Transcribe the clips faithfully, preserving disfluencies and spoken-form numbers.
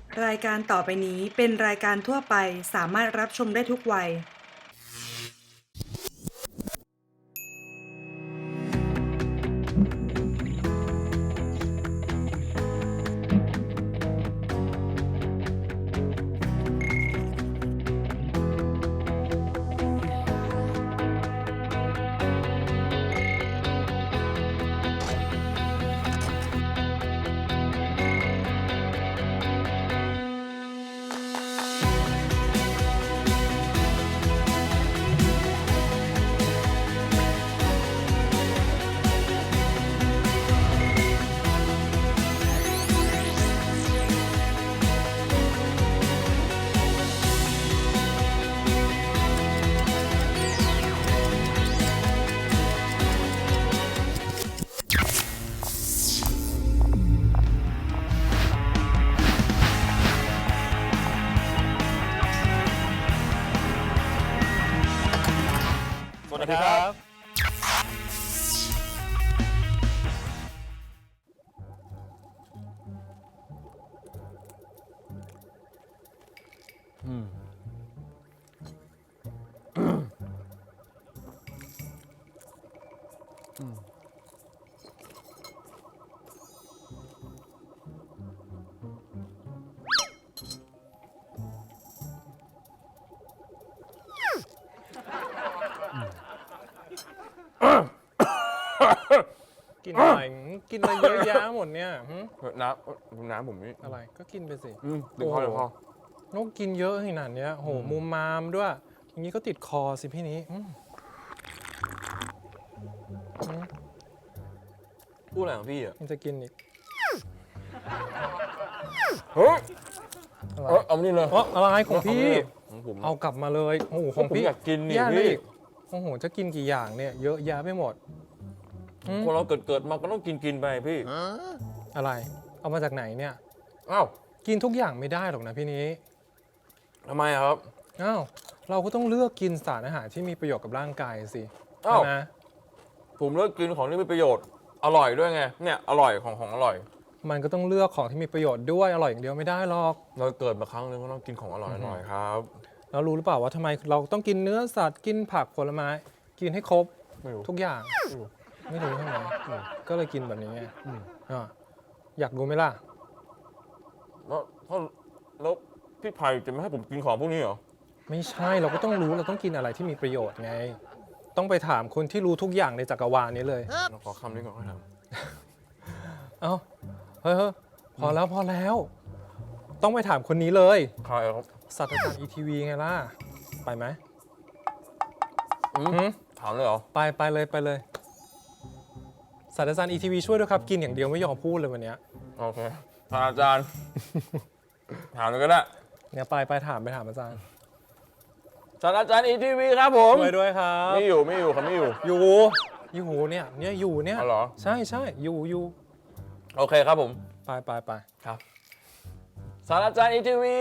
รายการต่อไปนี้เป็นรายการทั่วไปสามารถรับชมได้ทุกวัยสวัสดีครับ อืม อืมกินอะไรกินอะไรเยอะแยะหมดเนี่ยหึน้ำน้ำผมนี่อะไรก็กินไปสิอืมเดี๋ยวพอเดี๋ยวพอนกกินเยอะขนาดเนี้ยโหมุมมามด้วย อย่างนี้ก็ติดคอสิพี่นี้อืมอืมพูดอะไรของพี่อ่ะยังจะกินอีกเฮ้ยอะไรเออเอามานี่เลยอ๋ออะไรของพี่ของผมเอากลับมาเลยโอ้โหของผมพี่อยากกินนี่แย่เลยพี่อีกโอ้โหจะกินกี่อย่างเนี่ยเยอะแยะไปหมดอืมคนเราเกิดเกิดมาก็ต้องกินกินไปพี่อะไร เอามาจากไหนเนี่ยอ้าวกินทุกอย่างไม่ได้หรอกนะพี่นี้ทำไมอะครับอ้าวเราก็ต้องเลือกกินสารอาหารที่มีประโยชน์กับร่างกายสิอ้าวใช่ไหมผมเลิกกินของที่มีประโยชน์อร่อยด้วยไงเนี่ยอร่อยของของอร่อยมันก็ต้องเลือกของที่มีประโยชน์ด้วยอร่อยอย่างเดียวไม่ได้หรอกเราเกิดมาครั้งหนึงก็ต้องกินของอร่อยอร่อยครับแล้วรู้หรือเปล่าว่าทำไมเราต้องกินเนื้อสัตว์กินผักผลไม้ กินให้ครบไม่รู้ทุกอย่างไม่รู้ไม่รู้ใช่ไหมอืมก็เลยกินแบบนี้ไงอืมอ่ะอยากรู้ไหมล่ะแล้วถ้าแล้วพี่ไผ่จะไม่ให้ผมกินของพวกนี้เหรอไม่ใช่เราก็ต้องรู้เราต้องกินอะไรที่มีประโยชน์ไง ต้องไปถามคนที่รู้ทุกอย่างในจักรวาลนี้เลยเราขอคำนี้ก่อนค่อยทเอ้าเฮ้ยเฮ้ยพอแล้วพอแล้ว ต้องไปถามคนนี้เลยำใครครับศาสตราจารย์อีทีวีไงล่ะไปไหมอืมหืมถามเลยเหรอไปไปเลยไปเลยศาสตราจารย์อีทีวีช่วยด้วยครับกินอย่างเดียวไม่ยอมพูดเลยวันเนี้ยโอเคท่านอาจารย์ ถามเลยก็ได้เนี่ยไปไปถามไปถามอาจารย์ท่านอาจารย์อีทีวีครับผมช่วยด้วยครับไม่อยู่ไม่อยู่ครับไม่อยู่อยู่อยู่เนี่ยเนี่ยอยู่เนี่ยอ๋อเหรอใช่ใช่อยู่อยู่โอเคครับผมไปไปไปครับศาสตราจารย์อีทีวี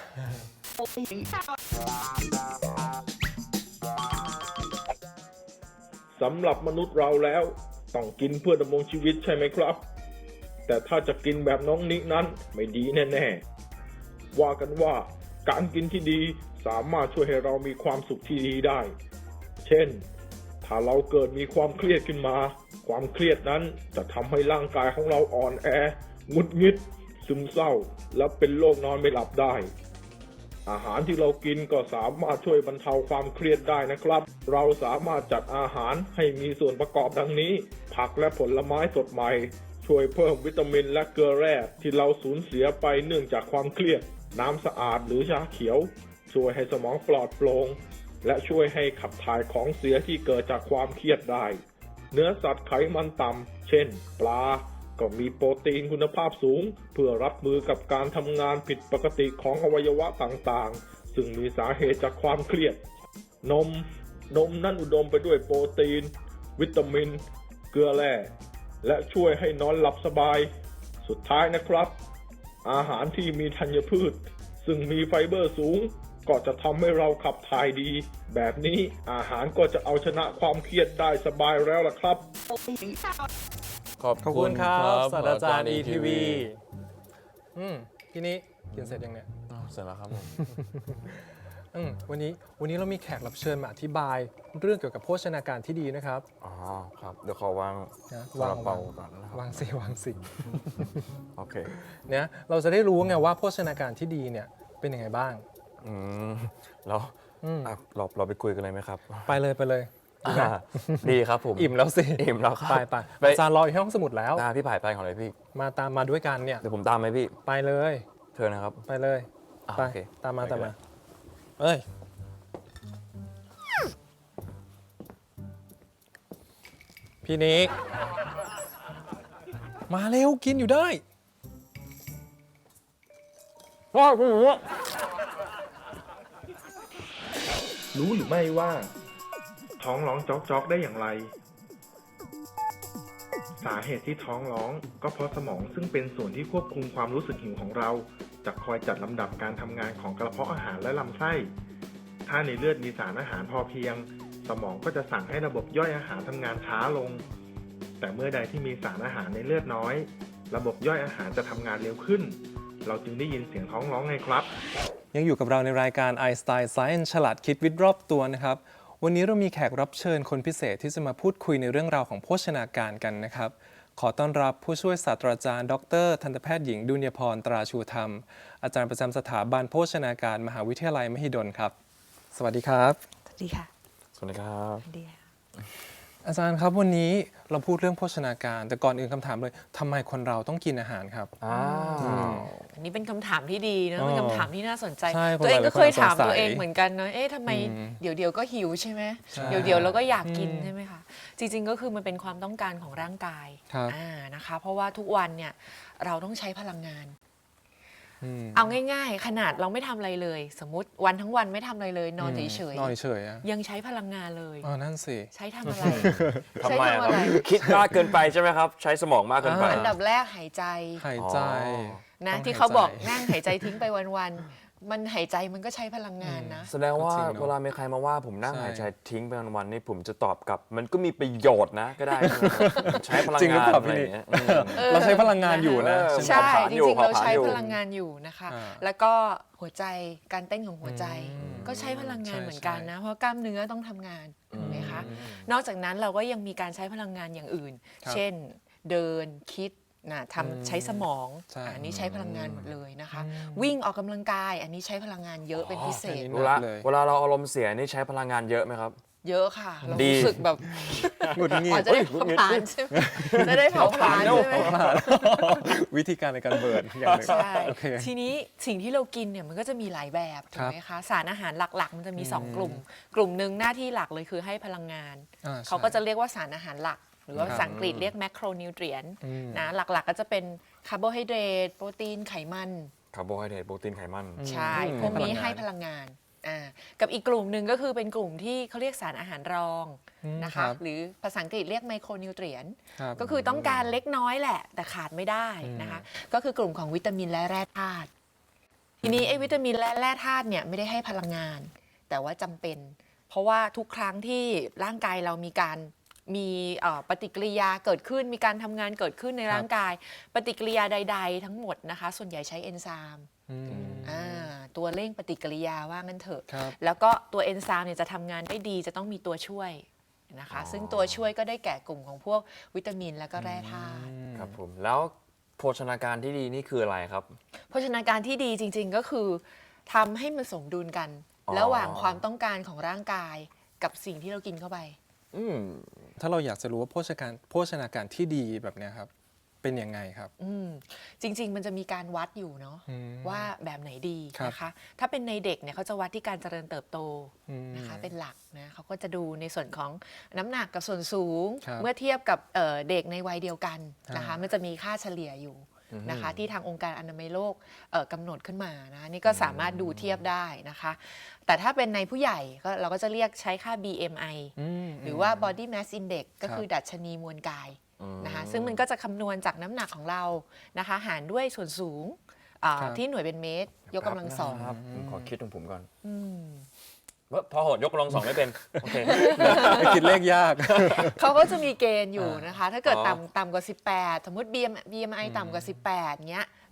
สำหรับมนุษย์เราแล้วต้องกินเพื่อดำรงชีวิตใช่ไหมครับ แต่ถ้าจะกินแบบน้องนินั้นไม่ดีแน่ๆว่ากันว่าการกินที่ดีสามารถช่วยให้เรามีความสุขที่ดีได้ เช่น ถ้าเราเกิดมีความเครียดขึ้นมา ความเครียดนั้นจะทำให้ร่างกายของเราอ่อนแอหงุดหงิด ซึมเศร้า และเป็นโรคนอนไม่หลับได้ อาหารที่เรากินก็สามารถช่วยบรรเทาความเครียดได้นะครับ เราสามารถจัดอาหารให้มีส่วนประกอบดังนี้ ผักและผลไม้สดใหม่ ช่วยเพิ่มวิตามินและเกลือแร่ที่เราสูญเสียไปเนื่องจากความเครียด น้ำสะอาดหรือชาเขียว ช่วยให้สมองปลอดโปร่งและช่วยให้ขับถ่ายของเสียที่เกิดจากความเครียดได้ เนื้อสัตว์ไขมันต่ำ เช่น ปลา ก็มีโปรตีนคุณภาพสูง เพื่อรับมือกับการทำงานผิดปกติของอวัยวะต่างๆ ซึ่งมีสาเหตุจากความเครียด นม นมนั้นอุดมไปด้วยโปรตีน วิตามิน เกลือแร่ และช่วยให้นอนหลับสบาย สุดท้ายนะครับ อาหารที่มีธัญพืช ซึ่งมีไฟเบอร์สูง ก็จะทำให้เราขับถ่ายดี แบบนี้อาหารก็จะเอาชนะความเครียดได้สบายแล้วล่ะครับขอบขอบคุณครับศาสตราจารย์อีทีวีอืมทีนี้กินเสร็จยังเนี่ยอ้าวเสร็จแล้วครับผมอืมวันนี้วันนี้เรามีแขกรับเชิญมาอธิบายเรื่องเกี่ยวกับโภชนาการที่ดีนะครับอ๋อครับเดี๋ยวขอวางนะซาวางลาเปาวางก่อนนะครับวางสิวางสิโอเคเนี่ยเราจะได้รู้ไงว่าโภชนาการที่ดีเนี่ยเป็นยังไงบ้างอืมแล้วอืมอ่ะเราเราไปคุยกันเลยไหมครับไปเลยไปเลยอ่าดีครับผมอิ่มแล้วสิอิ่มแล้วครับไปไปไปอาจารย์รออยู่ที่ห้องสมุดแล้วตาพี่ผ่ายไปของเลยพี่มาตามมาด้วยกันเนี่ยเดี๋ยวผมตามไหมพี่ไปเลยเชิญนะครับไปเลยอ่ะไปโอเคตามมาไปตามกันมาเอ้ยพี่นิกมาเร็วกินอยู่ได้ว้าวคุณหนูรู้หรือไม่ว่า ท้องร้องจ๊อกๆได้อย่างไร สาเหตุที่ท้องร้องก็เพราะสมองซึ่งเป็นส่วนที่ควบคุมความรู้สึกหิวของเรา จะคอยจัดลำดับการทำงานของกระเพาะอาหารและลำไส้ ถ้าในเลือดมีสารอาหารพอเพียง สมองก็จะสั่งให้ระบบย่อยอาหารทำงานช้าลง แต่เมื่อใดที่มีสารอาหารในเลือดน้อย ระบบย่อยอาหารจะทำงานเร็วขึ้น เราจึงได้ยินเสียงท้องร้องไงครับยังอยู่กับเราในรายการ Einstein Science ฉลาดคิดวิทย์รอบตัวนะครับ วันนี้เรามีแขกรับเชิญคนพิเศษที่จะมาพูดคุยในเรื่องราวของโภชนาการกันนะครับ ขอต้อนรับผู้ช่วยศาสตราจารย์ ดรทันตแพทย์หญิงดุลยพรตราชูธรรม อาจารย์ประจำสถาบันโภชนาการมหาวิทยาลัยมหิดลครับ สวัสดีครับสวัสดีค่ะสวัสดีครับสวัสดีค่ะอาจารย์ครับวันนี้เราพูดเรื่องโภชนาการ แต่ก่อนอื่นคำถามเลยทำไมคนเราต้องกินอาหารครับอ้าวอันนี้เป็นคำถามที่ดีนะอ๋อเป็นคำถามที่น่าสนใจใช่คนตัวเองหลายๆก็เคยคนสงถามสัยตัวเองเหมือนกันนะเอ๊ะทำไมอืมเดี๋ยวเดี๋ยวก็หิวใช่ไหมใช่เดี๋ยวเดี๋ยวเราก็อยากกินอืมใช่ไหมคะจริงๆก็คือมันเป็นความต้องการของร่างกายครับอ่านะคะ เพราะว่าทุกวันเนี่ยเราต้องใช้พลังงานอืมเอาง่ายๆ ขนาดเราไม่ทำอะไรเลย สมมติวันทั้งวันไม่ทำอะไรเลย นอนเฉยนอนเฉยๆอะๆยังใช้พลังงานเลยอ๋อนั่นสิใช้ทำอะไรทำใช้ไมทำคอะรับไรคิดมากเกินไปใช่ไหมครับ ใช้สมองมากเกินไปอ่าอันดับแรกหายใจหายใจนะต้องที่เขาบอกหายใจนั่งหายใจทิ้งไปวันๆมันหายใจมันก็ใช้พลังงานนะแสดงว่าจริงเนอะเวลามีใครมาว่าผมนั่งใช่หายใจทิ้งไปวันๆนี่ผมจะตอบกลับ มันก็มีประโยชน์นะก็ได้ ใช้พลังจริงหรืองานเปล่าอะไรพี่อย่างเงี้ยเออเราใช้พลังงานอยู่นะเออใช่ไหมใช่เผาผลาญจอยู่ริงๆ เราใช้เผาผลาญอยู่พลังงานอยู่นะคะอ่าแล้วก็หัวใจการเต้นของหัวใจอืมก็ใช้พลังงานใช่เหมือนกันใช่นะ เพราะกล้ามเนื้อต้องทำงานถูกไหมคะอืมนอกจากนั้นเราก็ยังมีการใช้พลังงานอย่างอื่นครับเช่นเดินคิดนะอืมทำใช้สมองใช่อันนี้ใช้พลังงานหมดเลยนะคะอืมวิ่งออกกำลังกาย อันนี้ใช้พลังงานเยอะเป็นพิเศษอันนี้เวลาเลยเวลาเราอารมณ์เสียนี่ใช้พลังงานเยอะไหมครับเยอะค่ะ เราดีรู้สึกแบบหงุดหงิอ๋อดจะได้เผาผลาญใช่ไหมจะได้เผาผลาญใช่ไหมวิธีการในการเบิร์นอย่างหนึ่งใช่โอเคทีนี้สิ่งที่เรากินเนี่ยมันก็จะมีหลายแบบถูครักบไหมคะ สารอาหารหลักๆ มันจะมีอืมสองกลุ่ม กลุ่มหนึ่งหน้าที่หลักเลยคือให้พลังงานอ่เขาก็จะเรียกว่าสารอาหารหลัก หรือว่าครับภาษาอังกฤษเรียกแมคโครนิวเทรียนอืมนะหลักๆก็จะเป็นคาร์โบไฮเดรตโปรตีนไขมันคาร์โบไฮเดรตโปรตีนไขมันใช่อืมพวกนี้ให้ให้พพลัลังงางงาน นอ่ากับอีกกลุ่มหนึ่งก็คือเป็นกลุ่มที่เขาเรียกสารอาหารรองอืมนะครัคะบหรือภาษาอังกฤษเรียกไมโครนิวเทรียนครับก็คือต้องการเล็กน้อยแหละ แต่ขาดไม่ได้นะคะ ก็คือกลุ่มของวิตามินและแร่ธาตุทีนี้ไอ้วิตามินและแร่ธาตุเนี่ยไม่ได้ให้พลังงาน แต่ว่าจำเป็น เพราะว่าทุกครั้งที่ร่างกายเรามีการมีเอ่อปฏิกิริยาเกิดขึ้น มีการทำงานเกิดขึ้นในร่างกาย ปฏิกิริยาใด ๆ ทั้งหมดนะคะ ส่วนใหญ่ใช้เอนไซม์อืมอ่าตัวเร่งปฏิกิริยาว่างั้นเถอะครับแล้วก็ตัวเอนไซม์เนี่ยจะทำงานได้ดีจะต้องมีตัวช่วยนะคะอ๋อซึ่งตัวช่วยก็ได้แก่กลุ่มของพวกวิตามินและก็แร่ธาตุครับผม แล้วโภชนาการที่ดีนี่คืออะไรครับโภชนาการที่ดีจริง ๆ ก็คือทำให้มันสมดุลกันอ๋อระหว่างความต้องการของร่างกายกับสิ่งที่เรากินเข้าไปอืมถ้าเราอยากจะรู้ว่าโภชนาการโภชนาการที่ดีแบบเนี้ยครับ เป็นยังไงครับอืมจริง ๆ มันจะมีการวัดอยู่เนาะอืมว่าแบบไหนดีครับนะคะ ถ้าเป็นในเด็กเนี่ยเขาจะวัดที่การเจริญเติบโตอืมนะคะเป็นหลักนะเขาก็จะดูในส่วนของน้ำหนักกับส่วนสูงครับเมื่อเทียบกับเอ่อเด็กในวัยเดียวกันนะคะอ่ามัมันจะมีค่าเฉลี่ยอยู่อือฮึนะคะที่ทางองค์การอนามัยโลกเอ่อกำหนดขึ้นมานะนี่ก็สามารถดูเทียบได้นะคะ แต่ถ้าเป็นในผู้ใหญ่ก็เราก็จะเรียกใช้ค่า บี เอ็ม ไออืมหรือว่า body mass index ก็ครับคือดัชนีมวลกายอืมนะคะซึ่งมันก็จะคำนวณจากน้ำหนักของเรานะคะหารด้วยส่วนสูงอ่าครับที่หน่วยเป็นเมตร ยกกำลังสองครับผมขอคิดของผมก่อนอืมว่าพอโหดยกกำลังสองไม่เป็น โอเคไม่คิดเลขยากเขาก็จะมีเกณฑ์อยู่นะคะ ถ้าเกิดอ๋อต่ำต่ำกว่า สิบแปด สมมติ บี เอ็ม ไอ ต่ำกว่า สิบแปดเงี้ย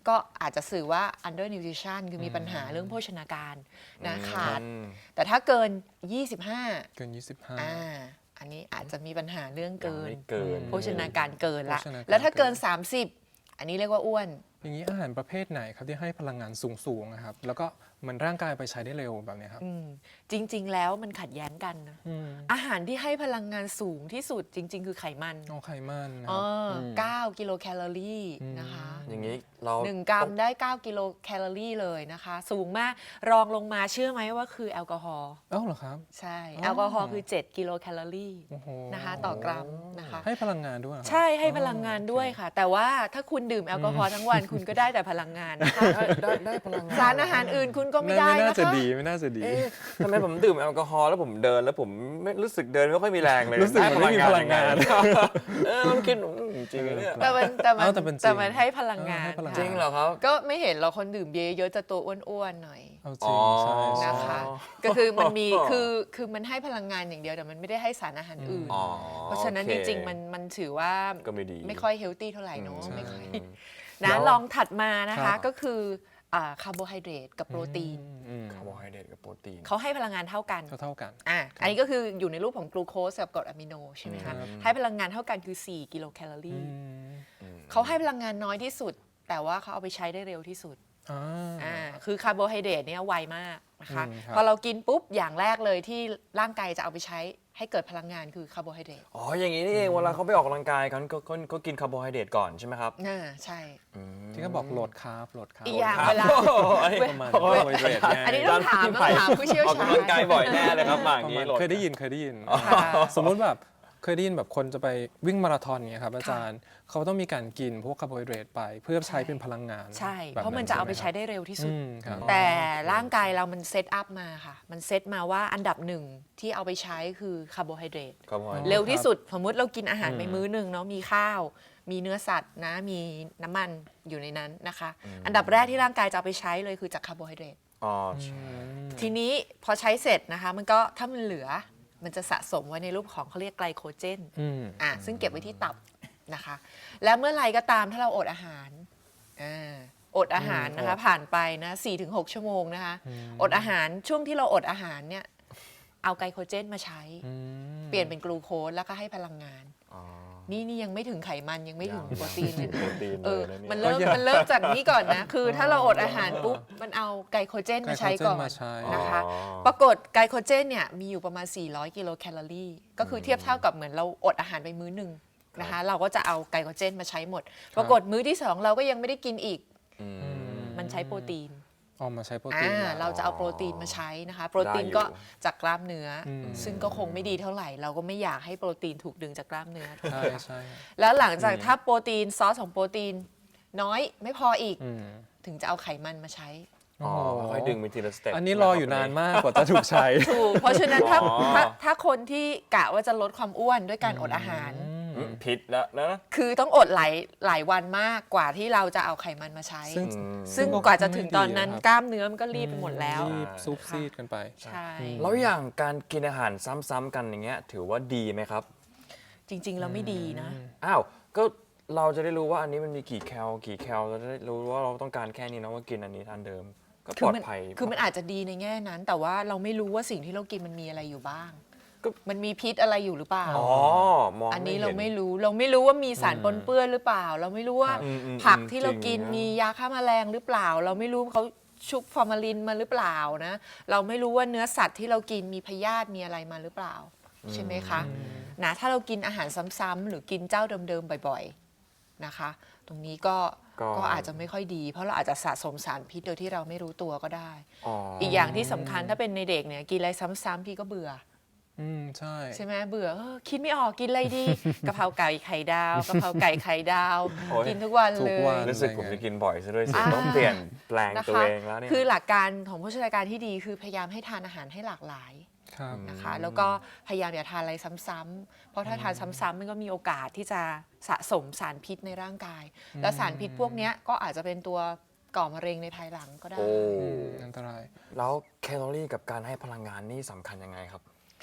ก็อาจจะสื่อว่า under nutrition คือมีปัญหาเรื่องโภชนาการนะขาดอืมแต่ถ้าเกิน ยี่สิบห้าเกิน ยี่สิบห้าอ่าอันนี้อาจจะมีปัญหาเรื่องเกินไม่เกินโภชนาการเกินละโภชนาการแล้วถ้าเกินเกินสามสิบ อันนี้เรียกว่าอ้วนอย่างนี้อาหารประเภทไหนครับที่ให้พลังงานสูงๆนะครับแล้วก็เหมือนร่างกายไปใช้ได้เร็วแบบเนี้ยครับอืมจริง ๆ แล้วมันขัดแย้งกันนะอืมอาหารที่ให้พลังงานสูงที่สุดจริง ๆ คือไขมันเอาไขมันนะเอครับอเก้ากิโลแคลอรี่นะคะอย่างนี้เราหนึ่งกรัมได้ เก้ากิโลแคลอรี่เลยนะคะ สูงมากรองลงมาเชื่อไหมว่าคือแอลกอฮอล์เอ้าเหรอครับใช่อ๋อแอลกอฮอล์คือ เจ็ดกิโลแคลอรี่โอ้โหนะคะต่อกรัมนะคะให้พลังงานด้วยเหรอครับใช่ให้พลังงานด้วยค่ะ แต่ว่าถ้าคุณดื่มแอลกอฮอล์ทั้งวันคุณก็ได้แต่พลังงานนะคะได้ได้ได้พลังงานสารอาหารอื่นคุณก็ไม่ไม่ได้ไม่น่านะจะคะดีไม่น่าจะดีเอ๊ะทำไมผมดื่มแอลกอฮอล์แล้วผมเดินแล้วผมไม่รู้สึกเดินไม่ค่อยมีแรงเลยรู้สึกเหมือนไม่มีพลังงานได้พลังงานเออมันคิดอืมจริงๆเนี่ยแต่มันแต่มันเอาแต่เป็นจริงแต่มันให้พลังงานเออให้พลังงานจริงเหรอครับก็ไม่เห็นเราคนดื่มเบียร์เยอะจะตัวอ้วนๆหน่อยเอาจริงใช่ใช่นะคะ ก็คือมันมีคือคือมันให้พลังงานอย่างเดียวแต่มันไม่ได้ให้สารอาหารอื่นอ๋อเพราะฉะนั้นโอจเคริงๆมันมันถือว่าก็ไม่ดีไม่ค่อยเฮลตี้เท่าไหร่เนอะอืมไม่ค่อยแล้นะวลองถัดมานะครัคะบก็คืออ่าคาร์โบไฮเดรตกับโปรตีนอืมคาร์โบไฮเดรตกับโปรตีนเขาให้พลังงานเท่ากันเท่าเท่ากันอ่ะอันนี้ก็คืออยู่ในรูปของกลูโคสกับกรดอะมิโนใช่ไหมครัคะบให้พลังงานเท่ากันคือ สี่ กิโลแคลออืรี่มเขาให้พลังงานน้อยที่สุด แต่ว่าเขาเอาไปใช้ได้เร็วที่สุดอ่าอ่าคือคาร์โบไฮเดรตเนี่ยไวมากนะคะอืมครับพอเรากินปุ๊บอย่างแรกเลยที่ร่างกายจะเอาไปใช้ให้เกิดพลังงานคือคาร์โบไฮเดรตอ๋ออย่างนี้นี่เองเวลาเขาไปออกกำลังกายกันก็ก็ก็กินคาร์โบไฮเดรตก่อนใช่ไหมครับอ่าใช่อืมที่เขาบอกโหลดคาร์บโหลดคาร์บอีกอย่างครับเวลาประมาณคาร์โบไฮเดรตไงอันนี้ต้องถามต้องถามผู้เชี่ยวออกชาญกำลังกายบ่อยแน่เลยครับมาอปย่างระนี้มาณโหลดเคยได้ยินเคยได้ยินค่ะสมมุติแบบเคยได้ยินแบบคนจะไปวิ่งมาราธอนเงี้ยครับอาจารย์เขาต้องมีการกินพวกคาร์โบไฮเดรตไปเพื่อใช้เป็นพลังงานใช่แบบเพราะมันจะเอาไปช่ใช้หมครับได้เร็วที่สุอืดมครับแต่ร่างกายเรามันเซตอัพมาค่ะ มันเซตมาว่าอันดับหนึ่งที่เอาไปใช้คือคาร์โบไฮเดรตคาร์โบไฮเดรตเร็วที่สุด สมมติเรากินอาหารอืมไปมื้อหนึ่งเนาะมีข้าว มีเนื้อสัตว์นะมีน้ำมันอยู่ในนั้นนะคะ อันดับแรกที่ร่างกายจะเอาไปใช้เลยคือจากคาร์โบไฮเดรตอ๋อใช่ทีนี้พอใช้เสร็จนะคะ มันก็ถ้ามันเหลือมันจะสะสมไว้ในรูปของเขาเรียกไกลโคเจนอืมอ่ะซึ่งเก็บไว้ที่ตับนะคะ แล้วเมื่อไหรก็ตามถ้าเราอดอาหารอ่าอดอาหารนะคะ ผ่านไปนะ สี่ถึงหก ชั่วโมงนะคะ อดอาหารช่วงที่เราอดอาหารเนี่ยเอาไกลโคเจนมาใช้อืมเปลี่ยนเป็นกลูโคสแล้วก็ให้พลังงานอ๋อนี่นี่ยังไม่ถึงไขมันยังไม่ถึงโปรตีนเลยนะโปรตีนเอเลอยนะมันเนี่ยเริ่มมันเริ่มจากนี้ก่อนนะ คือถ้าเราอดอาหารปุ๊บมันเอาไกลโคเจนมาใช้ก่อนไกลโคเจนมาใช้นะคะอ๋อปรากฏไกลโคเจนเนี่ยมีอยู่ประมาณ สี่ร้อย กิโลแคลอรี่ ก็คือเทียบเท่ากับเหมือนเราอดอาหารไปมื้อหนึ่งนะคะ เราก็จะเอาไกลโคเจนมาใช้หมด ปรากฏมื้อที่สองเราก็ยังไม่ได้กินอีกอืมมันใช้โปรตีนออกมาใช้โปรอ่าตีนแล้วเราจะเอาโปรตีนมาใช้นะคะ โปรตีนได้อยู่ก็จากกล้ามเนื้ออมซึ่งก็คงไม่ดีเท่าไหร่ เราก็ไม่อยากให้โปรตีนถูกดึงจากกล้ามเนื้อถูกไหใช่มคะใช่แล้วหลังจากถ้าโปรตีนซอสของโปรตีนน้อยไม่พออีกอืมถึงจะเอาไขมันมาใช้อ๋อค่อยๆดึงไปทีละสเต็ปอันนี้รออยู่นานมากกว่าจะถูกใช้ถูก เพราะฉะนั้นถ้าอ๋อถ้าถ้าคนที่กะว่าจะลดความอ้วนด้วยการอดอาหารอืมผิดแล้วนะคือต้องอดหลายหลายวันมากกว่าที่เราจะเอาไขมันมาใช้ซึ่งอืมซึ่งกว่าจะถึงตอนนั้นกล้ามเนื้อมันก็รีบไปหมดแล้วรีบซุบซีดกันไปใช่แล้วอย่างการกินอาหารซ้ำๆกันอย่างเงี้ยถือว่าดีไหมครับจริง ๆ เราไม่ดีนะอ้าว ก็เราจะได้รู้ว่าอันนี้มันมีกี่แคลกี่แคลเราจะได้รู้ว่าเราต้องการแค่นี้นะว่ากินอันนี้ทานเดิม ก็คืปลอดมันภัยคือมันอาจจะดีในแง่นั้น แต่ว่าเราไม่รู้ว่าสิ่งที่เรากินมันมีอะไรอยู่บ้างก็มันมีพิษอะไรอยู่หรือเปล่าอ๋อมองอันนี้ห็เราไม่รู้ เราไม่รู้ว่ามีสารปนเปื้อนหรือเปล่า เราไม่รู้ว่าอืมอืมผักที่เรากินจริงนะมียาฆ่าแมลงหรือเปล่า เราไม่รู้เขาชุบฟอร์มาลินมาหรือเปล่านะ เราไม่รู้ว่าเนื้อสัตว์ที่เรากินมีพยาธิมีอะไรมาหรือเปล่า ใช่ไหมคะนะถ้าเรากินอาหารซ้ำๆหรือกินเจ้าเดิมๆบ่อยๆนะคะ ตรงนี้ก็ก็ก็อาจจะไม่ค่อยดี เพราะเราอาจจะสะสมสารพิษโดยที่เราไม่รู้ตัวก็ได้อ๋ออีกอย่างที่สำคัญถ้าเป็นในเด็กเนี่ยกินอะไรซ้ำๆพี่ก็เบื่ออืมใช่ใช่ไหมเบื่อเออคิดไม่ออกกินอะไรดี กะเพราไก่ไข่ดาวกะเพราไก่ไข่ดาวโอ้ยกินทุกวันทุเลกวันยรู้สึกผมจะกินบ่อยซะด้วยสิอ่าต้องเปลี่ยนแปลงนะตัวคะเองแล้วเนี่ยคือหลักการของโภชนาการที่ดีคือพยายามให้ทานอาหารให้หลากหลายครับนะคะ แล้วก็พยายามอย่าทานอะไรซ้ำๆเพราะถ้าทานซ้ำๆมันก็มีโอกาสที่จะสะสมสารพิษในร่างกาย แล้วสารพิษพวกเนี้ยก็อาจจะเป็นตัวก่อมะเร็งในภายหลังก็ได้โอ้อันตรายแล้วแคลอรี่กับการให้พลังงานนี่สำคัญยังไงครับแค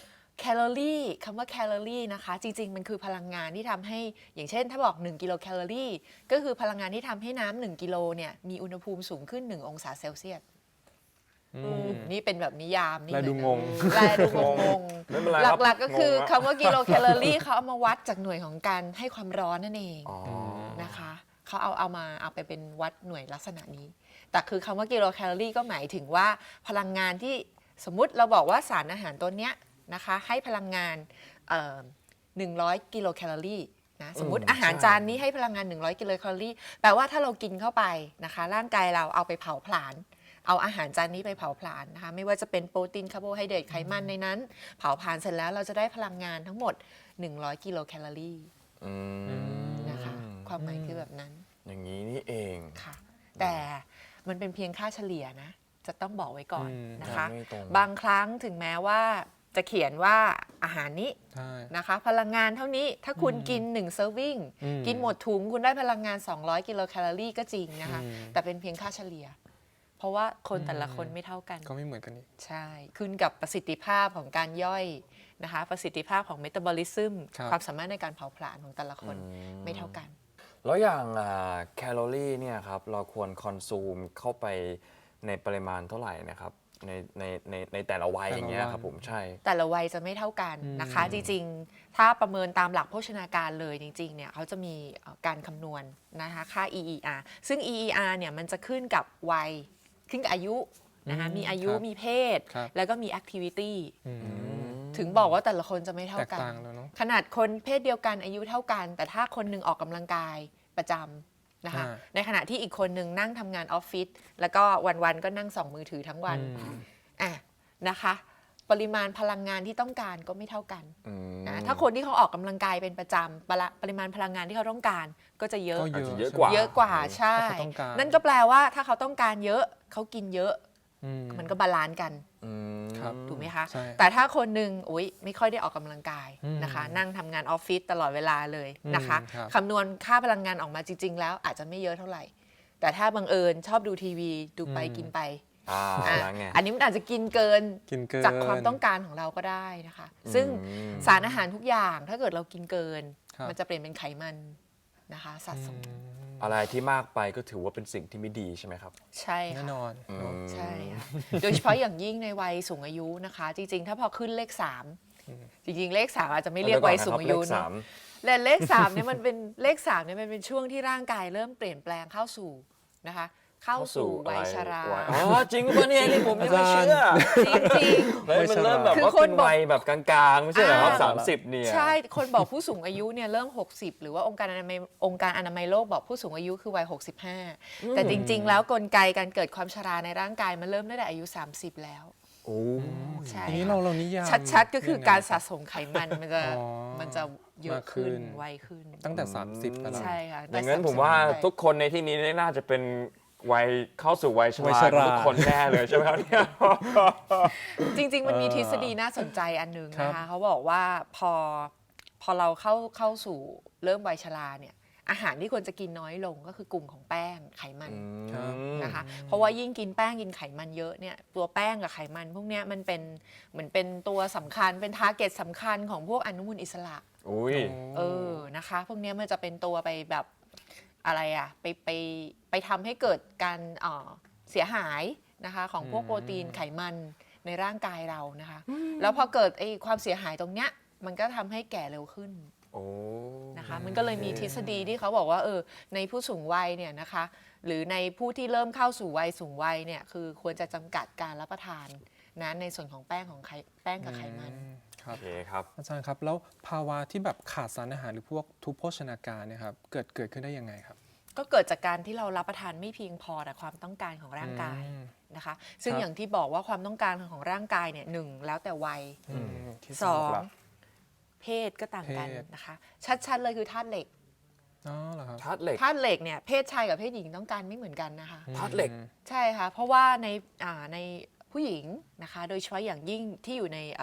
แคลอรี่คำว่าแคลอรี่นะคะจริงๆมันคือพลังงานที่ทำให้อย่างเช่นถ้าบอกหนึ่งกิโลแคลอรี่ก็คือพลังงานที่ทำให้น้ำหนึ่งกิโลเนี่ยมีอุณหภูมิสูงขึ้นหนึ่งองศาเซลเซียสอืมนี่เป็นแบบนิยามนี่และดูเลยงนะงแลดูงงไม่เป็นไรหครับลักๆก็คืองงคำว่ากิโลแคลอรี่เขาเอามาวัดจากหน่วยของการให้ความร้อนนั่นเองอ๋อนะคะเขาเอาเอามาเอาไปเป็นวัดหน่วยลักษณะนี้ แต่คือคำว่ากิโลแคลอรี่ก็หมายถึงว่าพลังงานที่สมมุติเราบอกว่าสารอาหารตัวเนี้ยนะคะให้พลังงานเอ่อหนึ่งร้อยกิโลแคลอรี่นะสมมติอืมอาหารใช่จานนี้ให้พลังงานหนึ่งร้อยกิโลแคลอรี่แปลว่าถ้าเรากินเข้าไปนะคะร่างกายเราเอาไปเผาผลาญเอาอาหารจานนี้ไปเผาผลาญนะคะไม่ว่าจะเป็นโปรตีนคาร์โบไฮเดรตไขมันในนั้น เผาผลาญเสร็จแล้วเราจะได้พลังงานทั้งหมดหนึ่งร้อยกิโลแคลอรี่อืมนะคะความหมายคือแบบนั้นอย่างนี้นี่เองค่ะแต่มันเป็นเพียงค่าเฉลี่ยนะจะต้องบอกไว้ก่อนอืมนะคะไม่ตรงบางครั้งถึงแม้ว่าจะเขียนว่าอาหารนี้ใช่นะคะพลังงานเท่านี้ถ้าคุณกิน1เซอร์วิงอืมกินหมดถุงคุณได้พลังงาน สองร้อยกิโลแคลอรี่ก็จริงนะคะอืมแต่เป็นเพียงค่าเฉลี่ย เพราะว่าคนแต่ละคนไม่เท่ากันก็ไม่เหมือนกันอีกใช่ ขึ้นกับประสิทธิภาพของการย่อยนะคะ ประสิทธิภาพของเมตาบอลิซึมครับความสามารถในการเผาผลาญของแต่ละคนไม่เท่ากันแล้วอย่างอ่าแคลอรี่เนี่ยครับเราควรคอนซูมเข้าไปในปริมาณเท่าไหร่นะครับในในในในแต่ละวัยแต่ละอย่างเงี้ยวันครับผมใช่แต่ละวัยจะไม่เท่ากันนะคะอืมจริงๆ ถ้าประเมินตามหลักโภชนาการเลยจริงๆเนี่ยเขาจะมีเอ่อการคำนวณนะคะค่า อี อี อาร์ ซึ่ง อี อี อาร์ เนี่ยมันจะขึ้นกับวัยขึ้นกับอายุนะคะอืมมีอายุครับมีเพศครับแล้วก็มีแอคทิวิตี้อืมถึงบอกว่าแต่ละคนจะไม่เท่าแตกกันต่างแล้วเนาะขนาดคนเพศเดียวกันอายุเท่ากัน แต่ถ้าคนหนึ่งออกกำลังกายประจำนะคะอ่าในขณะที่อีกคนหนึ่งนั่งทำงานออฟฟิศแล้วก็วันๆก็นั่งส่องมือถือทั้งวันอืมอ่ะนะคะ ปริมาณพลังงานที่ต้องการก็ไม่เท่ากันอืมนะถ้าคนที่เขาออกกำลังกายเป็นประจำปริปริมาณพลังงานที่เขาต้องการก็จะเยอะก็เยอาจอะจะเยอะใช่กว่าเยอะกว่าใช่เพราะเขาต้องการนั่นก็แปลว่าถ้าเขาต้องการเยอะเขากินเยอะอืมมันก็บาลานซ์กันอืมครับถูกไหมคะใช่แต่ถ้าคนหนึ่งอุ๊ยไม่ค่อยได้ออกกำลังกายอืมนะคะ นั่งทำงานออฟฟิศตลอดเวลาเลยนะคะอืมครับคำนวณค่าพลังงานออกมาจริง ๆ แล้วอาจจะไม่เยอะเท่าไหร่ แต่ถ้าบังเอิญชอบดูทีวีดูไปอืมกินไปอ่าอ่ะแล้วไงอันนี้มันอาจจะกินเกินกินเกินจากความต้องการของเราก็ได้นะคะ ซึ่งอืมสารอาหารทุกอย่างถ้าเกิดเรากินเกินครับมันจะเปลี่ยนเป็นไขมันนะคะสะสมอะไรที่มากไปก็ถือว่าเป็นสิ่งที่ไม่ดีใช่ไหมครับใช่แน่ค่ะนอนอืมใช่ค่ะโดยเฉพาะอย่างยิ่งในวัยสูงอายุนะคะ จริงๆ ถ้าพอขึ้นเลขสามจริงๆ เลขสามอาจจะไม่เรียกวัยสูงอายุเลขเนสาอะมและเลขสามเนี่ยมันเป็นเลขสามเนี่ยมันเป็นช่วงที่ร่างกายเริ่มเปลี่ยนแปลงเข้าสู่นะคะ เข้าสู่วัยชราวัยอ๋อจริงป่ะเนี่ยนี่ผมยังไม่เชื่อจริงๆเฮ้ยมันเริ่มแบบคือว่าคนเป็นบอกวัยแบบกลางๆ ไม่ใช่เหรอครับอ่าสามสิบเนี่ยใช่ คนบอกผู้สูงอายุเนี่ยเริ่ม หกสิบ หรือว่าองค์การอนามัยองค์การอนามัยโลกบอกผู้สูงอายุคือวัย หกสิบห้า แต่จริง ๆ แล้วกลไกการเกิดความชราในร่างกายมันเริ่มตั้งแต่อายุ สามสิบ แล้วโอ้ใช่ทีนี้ค่ะเราเรานิยามชัดๆ ก็คือยังไงการคสะบสมไขมันมันจะอ๋อมันจะเยอะมากขึ้ขึ้นนไวขึ้นตั้งแต่ สามสิบไปแล้วใช่ค่ะอย่างนั้นแต่ผมว่าสสิบทุกคนในที่นี้น่าจะเป็นวัยเข้าสู่วัยชวัยราชราทุกคนแน่เลยใช่ไหมครับเนี่ยจริง ๆ มันมีเออทฤษฎีน่าสนใจอันหนึ่งครับนะคะเขาบอกว่าพอพอเราเข้าเข้าสู่เริ่มวัยชราเนี่ยอาหารที่ควรจะกินน้อยลงก็คือกลุ่มของแป้งไขมันครับนะคะเพราะว่ายิ่งกินแป้งกินไขมันเยอะเนี่ยตัวแป้งกับไขมันพวกเนี้ยมันเป็นเหมือนเป็นตัวสำคัญเป็นทาร์เก็ตสำคัญของพวกอนุมูลอิสระอุ้ยเออนะคะพวกเนี้ยมันจะเป็นตัวไปแบบอะไรอะไปไปไปทำให้เกิดการเอ่อเสียหายนะคะของพวกอืมโปรตีนไขมันในร่างกายเรานะคะแล้วพอเกิดไอ้ความเสียหายตรงเนี้ยมันก็ทำให้แก่เร็วขึ้นโอ้นะคะมันก็เลยมีทฤษฎีที่เขาบอกว่าเออในผู้สูงวัยเนี่ยนะคะหรือในผู้ที่เริ่มเข้าสู่วัยสูงวัยเนี่ยคือควรจะจำกัดการรับประทานนะในส่วนของแป้งของไขแป้งกับไขมันอืมครัโอบ เคครับอาจารย์ครับ แล้วภาวะที่แบบขาดสารอาหารหรือพวกทุพโภชนาการเนี่ยครับเกิดเกิดขึ้นได้ยังไงครับก็เกิดจากการที่เรารับประทานไม่เพียงพอแต่ความต้องการของร่างกายอืมนะคะซึ่งครับอย่างที่บอกว่าความต้องการของร่างกายเนี่ยหนึ่งแล้วแต่วัยอืมที่สองหลักเพศก็ต่างกันเพศนะคะชัดๆเลยคือธาตุเหล็กอ๋อเหรอครับธาตุเหล็กธาตุเหล็กเนี่ยเพศชายกับเพศหญิงต้องการไม่เหมือนกันนะคะธาตุเหล็กอืมใช่ค่ะ เพราะว่าในอ่าในผู้หญิงนะคะ โดยเฉพาะอย่างยิ่งที่อยู่ในเอ่อ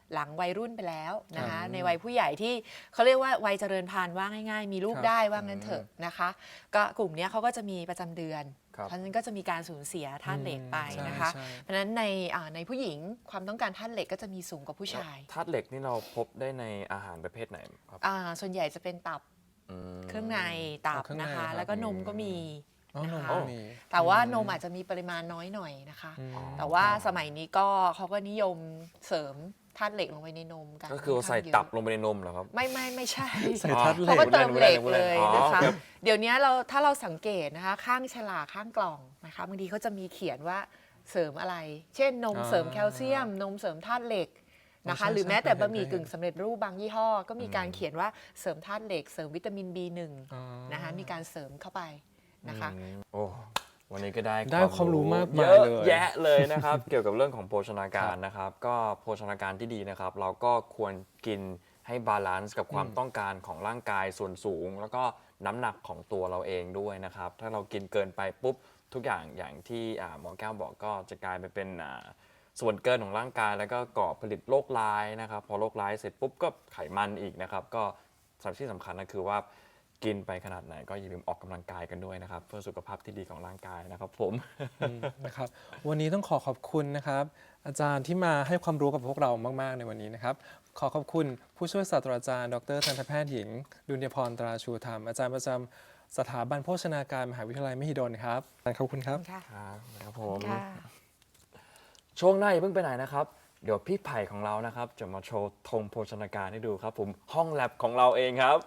หลังวัยรุ่นไปแล้วนะคะอืมในวัยผู้ใหญ่ที่เขาเรียกว่าวัยเจริญพันธุ์ว่าง่ายๆ มีลูกครับได้ว่างั้นเถอะนะคะ ก็กลุ่มเนี้ยเขาก็จะมีประจำเดือนครับเพราะฉะนั้นก็จะมีการสูญเสียธาตุเหล็กไปใช่นะคะใช่เพราะฉะนั้นในอ่าในผู้หญิงความต้องการธาตุเหล็กก็จะมีสูงกว่าผู้ชายธาตุเหล็กนี่เราพบได้ในอาหารประเภทไหนครับอ่าส่วนใหญ่จะเป็นตับอืมเครื่องในตับเครื่องในนะคะครับแล้วก็นมก็มีอ๋อนมนะคะก็มีแต่ว่านมอาจจะมีปริมาณน้อยหน่อยนะคะอืมแต่ว่าสมัยนี้ก็เขาก็นิยมเสริมธาตุเหล็กลงไปในนมกันก็คือใส่นข้างเยะตับลงไปในนมเหรอครับไม่ไม่ไม่ใช่ใส่ธาตุเหล็เขากก็เติมเหล็กพูดเลเล่นยพูดเล่นนะคะอ๋อครับเดี๋ยวนี้เราถ้าเราสังเกตนะคะข้างฉลากข้างกล่องนะคะบางทีเขาจะมีเขียนว่าเสริมอะไร เช่นนมอ่าเสริมแคลเซียม นมเสริมธาตุเหล็กนะคะใช่หรือแม้แต่ใช่บะหมี่เคยเห็นกึ่งสำเร็จรูปบางยี่ห้อ ก็มีการเขียนว่าเสริมธาตุเหล็ก เสริมวิตามิน บี หนึ่งอ๋อนะคะมีการเสริมเข้าไปนะคะอืมโอ้วันนี้ก็ได้ได้ความรู้มากเยมายอะเลยแยะเลยนะครับ เกี่ยวกับเรื่องของโภชนาการนะครับ ก็โภชนาการที่ดีนะครับ เราก็ควรกินให้บาลานซ์กับความต้องการของร่างกายส่วนสูง แล้วก็น้ำหนักของตัวเราเองด้วยนะครับ ถ้าเรากินเกินไปปุ๊บทุกอย่างอย่างที่อ่าหมอแก้วบอกก็จะกลายไปเป็นอ่าส่วนเกินของร่างกาย แล้วก็ก่อผลิตโรคร้ายนะครับ พอโรคร้ายเสร็จปุ๊บก็ไขมันอีกนะครับ ก็สิ่งที่สำคัญก็คือว่ากินไปขนาดไหนก็อย่าลืมออกกำลังกายกันด้วยนะครับ เพื่อสุขภาพที่ดีของร่างกายนะครับผมอืมนะครับวันนี้ต้องขอขอบคุณนะครับ อาจารย์ที่มาให้ความรู้กับพวกเรามาก ๆ ในวันนี้นะครับ ขอขอบคุณผู้ช่วยศาสตราจารย์ดรทันตแพทย์หญิงดุลยพรตราชูธรรม อาจารย์ประจำสถาบันโภชนาการมหาวิทยาลัยมหิดลครับขอบคุณครับค่ะครับครับผมค่ะช่วงหน้าอย่าเพิ่งไปไหนนะครับ เดี๋ยวพี่ไผ่ของเรานะครับจะมาโชว์ธงโภชนาการให้ดูครับผมห้องแลบของเราเองครับ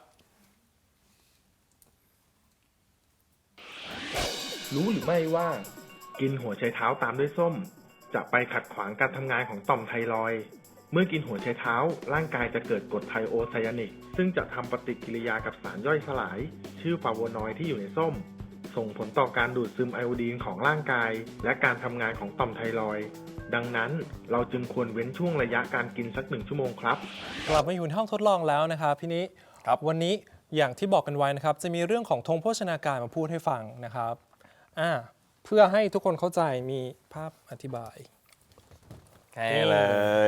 รู้หรือไม่ว่า กินหัวไชเท้าตามด้วยส้ม จะไปขัดขวางการทำงานของต่อมไทรอยด์เมื่อกินหัวไชเท้าร่างกายจะเกิดกรดไทโอไซยานิก ซึ่งจะทำปฏิกิริยากับสารย่อยสลาย ชื่อฟลาโวนอยด์ที่อยู่ในส้ม ส่งผลต่อการดูดซึมไอโอดีนของร่างกาย และการทำงานของต่อมไทรอยด์ดังนั้นเราจึงควรเว้นช่วงระยะการกินสักหนึ่งชั่วโมงครับกลับมาอยู่ในห้องทดลองแล้วนะครับพี่นิครับวันนี้อย่างที่บอกกันไว้นะครับ จะมีเรื่องของธงโภชนาการมาพูดให้ฟังนะครับอ่าเพื่อให้ทุกคนเข้าใจมีภาพอธิบายแค่เลย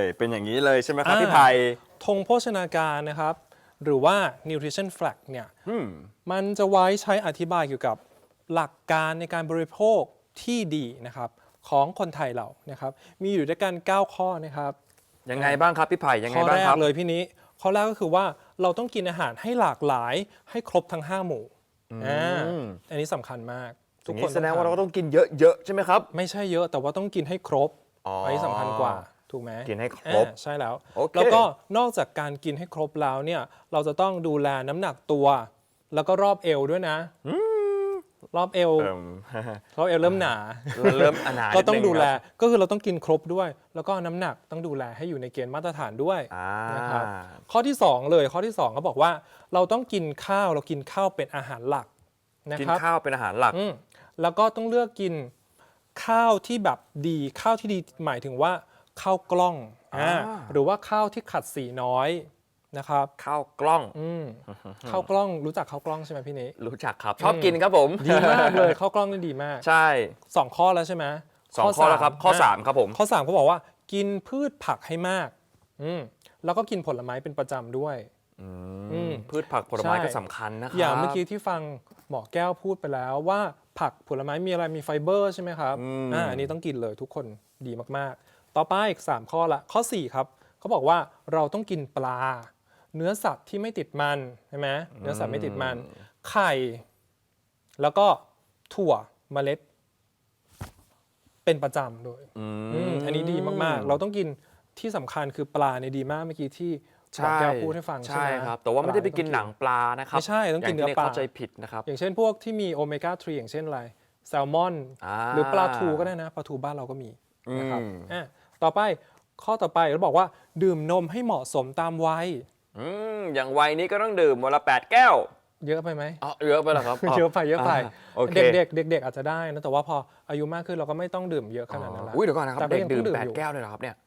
เป็นอย่างนี้เลยใช่ไหมครับอ่าพี่ไผ่ธงโภชนาการนะครับ หรือว่า nutrition flag เนี่ยอืมมันจะไว้ใช้อธิบายเกี่ยวกับหลักการในการบริโภคที่ดีนะครับของคนไทยเรานะครับมีอยู่ด้วยกันเก้าข้อนะครับยังไงบ้างครับพี่ไผ่ยังไงข้อบ้างแรครักบเลยพี่นี้ข้อแรกก็คือว่าเราต้องกินอาหารให้หลากหลายให้ครบทั้งห้าหมู่อ่าอันนี้สำคัญมากอทุกย่างคนี้นแสดงว่าเราก็ทต้องกินเยอะๆใช่ไหมครับำไม่ใช่เยอะแต่ว่าต้องกินให้ครบอ๋ออันนี้สำคัญกว่าถูกไหมกินให้ครบอ่าใช่แล้วโอเคแล้วก็นอกจากการกินให้ครบแล้วเนี่ยเราจะต้องดูแลน้ำหนักตัว แล้วก็รอบเอวด้วยนะรอบเอวเอิ่มรอบเอวเริ่มหนาเริ่มอนาถก็ต้องนินึดูแลครับก็คือเราต้องกินครบด้วย แล้วก็น้ำหนักต้องดูแลให้อยู่ในเกณฑ์มาตรฐานด้วยอ่านะครับข้อที่สองเลยข้อที่สองเขาบอกว่าเราต้องกินข้าวเรากินข้าวเป็นอาหารหลักนะกินครับข้าวเป็นอาหารหลักอืมแล้วก็ต้องเลือกกินข้าวที่แบบดีข้าวที่ดีหมายถึงว่าข้าวกล้องอ่าอ่าหรือว่าข้าวที่ขัดสีน้อยนะครับข้าวกล้องอืมข้าวกล้องรู้จักข้าวกล้องใช่ไหมพี่นิรู้จักครับ ชอบกินครับผมดีมากเลยข้าวกล้องนี่ดีมากใช่สองข้อแล้วใช่ไหมสองข้อแล้วครับ ข้อสามะครับผมข้อสามเขาบอกว่ากินพืชผักให้มากอืมแล้วก็กินผลไม้เป็นประจำด้วย อืมพืชผักผลไม้ใช่ก็สำคัญนะครับอย่างเมื่อกี้ที่ฟังหมอแก้วพูดไปแล้วว่าผักผลไม้มีอะไรมีไฟเบอร์ใช่ไหมครับอืมอ่าอันนี้ต้องกินเลยทุกคนดีมากๆ ต่อไปอีกสามข้อละข้อสี่ครับเขาบอกว่าเราต้องกินปลา เนื้อสัตว์ที่ไม่ติดมันใช่ไหมเนื้อสัตว์ไม่ติดมัน ไข่ แล้วก็ถั่วเมล็ด เป็นประจำด้วยอือืมอันนี้ดีมากๆ เราต้องกินที่สำคัญคือปลาในยดีมากเมื่อกี้ที่หมอใช่แก้วพูดให้ฟังใช่ใช่ไหมครับ แต่ว่าไม่ได้ไปกินปลาหนังปลานะครับไม่ใช่ต้องกินย่าเนื้อปลาเข้าใจผิดนะครับอย่างเช่นพวกที่มีโอเมก้าสามอย่างเช่นอะไรแซลมอนอ่าหรือปลาทูก็ได้นะปลาทูบ้านเราก็มีนะครับอืมอ่ะต่อไปข้อต่อไปเราบอกว่าดื่มนมให้เหมาะสมตามวัยอืมอย่างวัยนี้ก็ต้องดื่มวันละแปดแก้วเยอะไปไหมอ๋อเยอะไปเหรอครับเยอะไปเยอะไปโอเคเด็กๆเด็กๆอาจจะได้นะแต่ว่าพออายุมากขึ้นเราก็ไม่ต้องดื่มเยอะขนาดนั้นแล้วอุ้ยเดี๋ยวก่อนนะครับแต่ก็เด็กยังดื่มต้องดื่มแปดอยู่แก้วเลยเหรอครับเนี่ย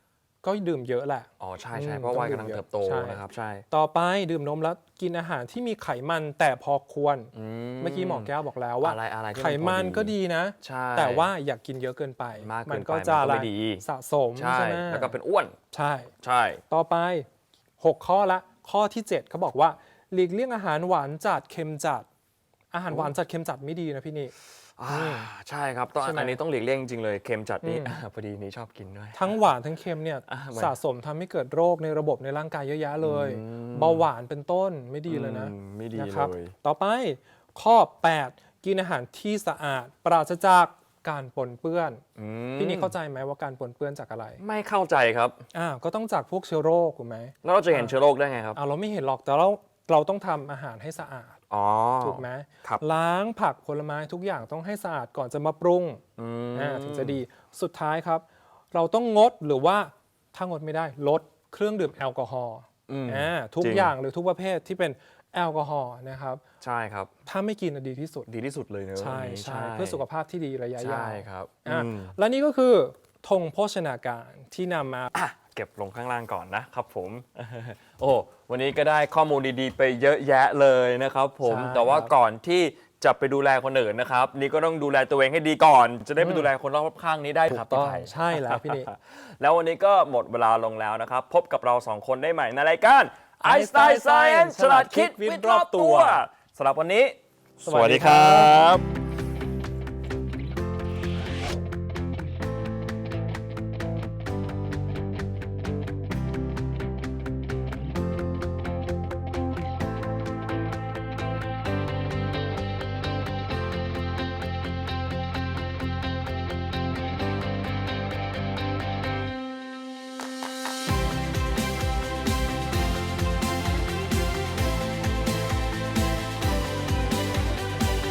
ก็ดื่มเยอะแหละอ๋อใช่ใช่อืมเพราะวัยต้องกำลังดื่มเยอะเติบโตใช่นะครับใช่ต่อไปดื่มนมแล้วกินอาหารที่มีไขมันแต่พอควรอืเมื่อกี้หมอแก้วบอกแล้วว่าอะไรอะไรที่ไขมันพอก็ดีนะใช่แต่ว่าอย่ากกินเยอะเกินไปมากเกินมันก็ไปจะมันก็ไม่อะไรดีสะสมใช่ใช่ไหมแล้วก็เป็นอ้วนใช่ใช่ต่อไป หก ข้อละข้อที่เจ็ดเขาบอกว่าหลีกเลี่ยงอาหารหวานจัดเค็มจัด อาหารหวานจัดเค็มจัดไม่ดีนะพี่นี่อ่าใช่ครับต้องใช่ไหมอันนี้ต้องหลีกเลี่ยงจริงๆเลยเค็มจัดนี่อืมอ่าพอดีนี่ชอบกินด้วยทั้งหวานทั้งเค็มเนี่ยอ่ะเหมือนสะสมทำให้เกิดโรคในระบบในร่างกายเยอะแยะเลยอืมเบาหวานเป็นต้นไม่ดีเลยนะอืมไม่ดีนะครับเลยต่อไปข้อ แปด กินอาหารที่สะอาด ปราศจากการปนเปื้อนอืมพี่นี่เข้าใจไหมว่าการปนเปื้อนจากอะไรไม่เข้าใจครับอ่าก็ต้องจากพวกเชื้อโรคถูกไหมแล้วเราจะเห็นเชื้อโรคได้ไงครับอ่าเราไม่เห็นหรอกแต่เราเราต้องทำอาหารให้สะอาดอ๋อถูกไหมครับล้างผักผลไม้ทุกอย่างต้องให้สะอาดก่อนจะมาปรุงอืมอ่าถึงจะดีสุดท้ายครับ เราต้องงดหรือว่าถ้างดไม่ได้ลดเครื่องดื่มแอลกอฮอล์อืมอ่าทุกจริงอย่างหรือทุกประเภทที่เป็นแอลกอฮอล์นะครับใช่ครับถ้าไม่กินน่ะดีที่สุดดีที่สุดเลยเนอะใช่อันนี้ใช่เพื่อสุขภาพที่ดีระยะยาใช่วครับอ่ะอืมและนี่ก็คือธงโภชนาการที่นำมาอ่ะเก็บลงข้างล่างก่อนนะครับผม โอ้วันนี้ก็ได้ข้อมูลดีๆ ไปเยอะแยะเลยนะครับผมใช่แต่ว่าครับก่อนที่จะไปดูแลคนอื่นนะครับ นี่ก็ต้องดูแลตัวเองให้ดีก่อน จะได้ไปดูแลคนรอบข้างนี้ได้ถูครับกต้องพี่ไผ่ใช่แล้วพี่นี่แล้ววันนี้ก็หมดเวลาลงแล้วนะครับ พบกับเราสองคนได้ใหม่ในรายการ Einstein Science ฉลาดคิดวิทย์รอบตัวสำหรับวันนี้สวัสดีครับ